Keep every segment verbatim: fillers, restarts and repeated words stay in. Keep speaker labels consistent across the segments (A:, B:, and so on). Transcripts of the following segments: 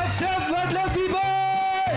A: What's up, madlang people?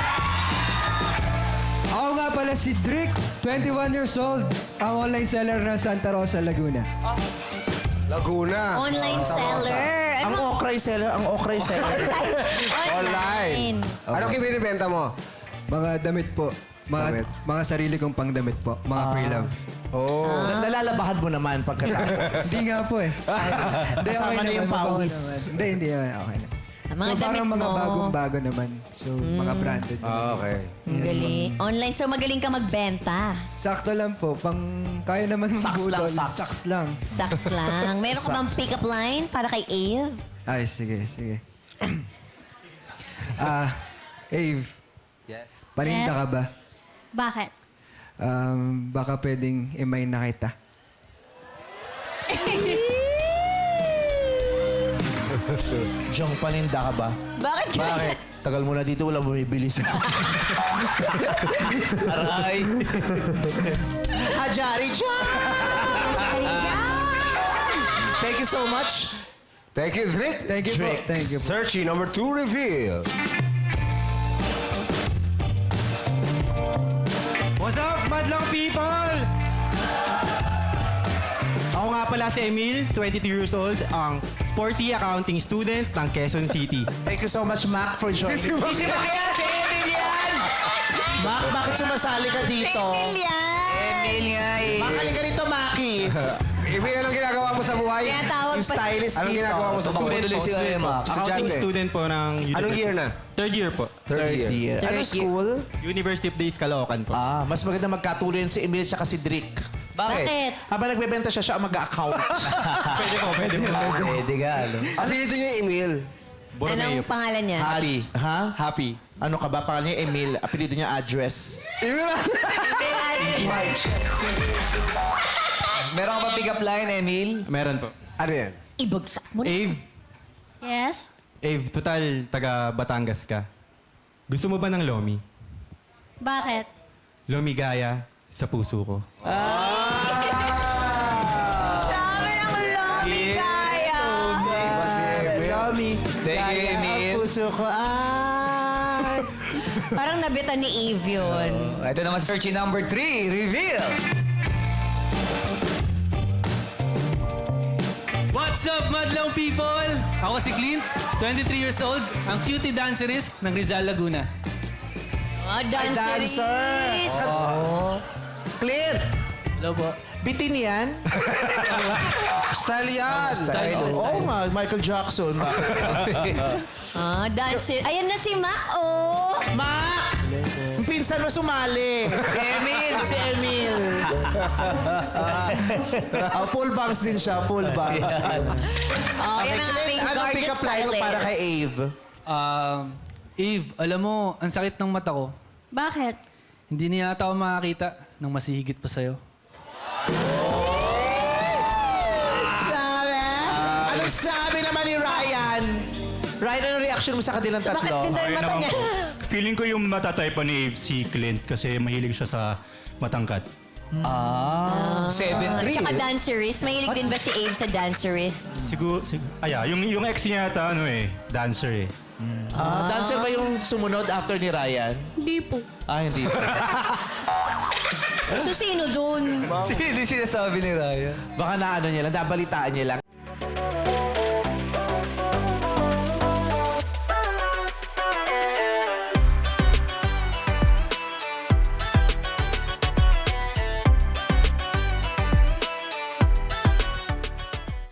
A: Ako nga pala si Drick, twenty-one years old, ang online seller ng Santa Rosa, Laguna.
B: Laguna.
C: Online seller.
D: Ang okray seller, ang okray seller.
B: Online. Ano kinibenta mo?
A: Mga damit po. Mga,
B: Damit.
A: mga sarili kong pangdamit po. Mga pre-love.
B: Oh.
D: Na- Nalalabahan mo naman pagkatapos.
A: Hindi nga po eh. Hindi,
D: Kasama na yung
A: naman,
D: pawis.
A: naman. Hindi, hindi naman. Okay na.
C: Ang mga
A: So
C: damit
A: parang mga
C: mo.
A: bagong-bago naman. So mga branded.
B: Ah, okay.
C: Ang galing. Online, so magaling ka magbenta.
A: Sakto lang po. Pang kaya naman
E: Saks
A: magbudol.
E: lang, saks.
A: Saks lang.
C: Saks lang. Meron ka bang pick-up line para kay Ave?
A: Ay, sige, sige. Ah, Ave.
B: Yes.
A: Paninda
F: Yes.
A: ka ba?
F: Bakit?
A: Um, baka pwedeng imay na kita.
D: Jong, paninda ka ba?
C: Bakit ka?
D: Bakit? Tagal mo na dito, wala bumibili sa...
E: Aray.
D: Hajari John! Thank you so much.
B: Thank you, Drick.
A: Thank you
D: Drake.
A: po. Thank you po.
B: Searching number two reveal.
G: What's up, madlang people? Ako nga pala si Emil, twenty-two years old, ang sporty accounting student ng Quezon City.
D: Thank you so much, Mac, for joining.
E: Sino kaya si Emil yan?
D: Mac, bakit sumasali ka dito?
C: Million!
E: Emil nga eh.
D: Mac, halika rito, Maki.
B: Emil, anong ginagawa mo sa buhay?
C: Tinatawag
D: Yung
C: pa.
D: stylist
B: Anong
D: dito.
B: ginagawa mo sa
E: Baka
B: buhay?
E: tuloy si
G: Student po.
E: Max.
G: Accounting
B: Estudyante.
G: student po ng university.
B: Anong year na?
G: Third year po.
B: Third year.
C: Third
D: Ano
C: year.
D: school?
G: University of Days, Caloocan po.
D: Ah, mas maganda magkatuloy si Emil siya si Drick.
E: Bakit?
C: Bakit?
D: Habang nagbebenta siya, siya ang mag-account.
G: Pwede po, pwede po.
E: Pwede ka, ano?
B: Apelido niyo yung Emil.
G: Borromeo
C: Anong
G: po.
C: pangalan niya?
D: Happy. Ha?
B: Happy.
D: Ano ka ba? Pangalan niya Emil. Apelido niya address.
B: Emil
E: Meron ka ba pick-up line, Emil?
G: Meron po.
B: Ano yan?
C: Ibagsak mo na.
G: Ave,
F: Yes?
G: Ave, total taga Batangas ka. Gusto mo ba ng Lomi?
F: Bakit?
G: Lomi gaya sa puso ko.
C: Sabi ng Lomi Kaya.
D: Yummy.
E: Thank you, Emil.
D: Ang puso ko ay...
C: Parang nabitan ni Eve yun.
E: Oh, ito naman searching number three, reveal.
H: What's up, madlang people? Ako si Clint, twenty-three years old, ang cutie dancerist ng Rizal, Laguna.
C: Oh, dancer.
D: dancer. Clear.
H: Hello po.
D: Bitin yan?
B: Style yan.
H: Style po.
D: Oo nga, Michael Jackson.
C: Ah, dancer. Ayan na si Mac, oh.
D: Mac! Yung pinsan mo sumali.
E: Si Emil.
D: Si Emil. oh, full bangs din siya, full bangs.
C: Oh, yan ang ating
D: Anong
C: gorgeous
D: pick-up line mo
C: stylist.
D: para kay Ave?
H: Um, Eve, alam mo, ang sakit ng mata ko.
F: Bakit?
H: Hindi na yata ako makakita ng masihigit pa sa'yo.
D: Sabi? Anong sabi naman ni Ryan? Ryan, anong reaction mo sa kanilang
C: So, bakit
D: tatlo?
C: ganda yung
I: Ayun
C: mata
I: naman
C: niya?
I: po. Feeling ko yung matatype pa ni Ave si Clint kasi mahilig siya sa matangkad.
E: seven three.
C: Tsaka dancerist. Mahilig din ba si Ave sa dancerist?
I: Siguro, sig aya, yung, yung ex niya yata, ano eh, dancer eh.
D: Ah, dancer ba yung sumunod after ni Ryan?
F: Hindi po.
D: Ah, hindi.
C: So, sino dun?
E: Sino sinasabi ni Raya?
D: Baka na ano niya lang, nabalitaan niya lang.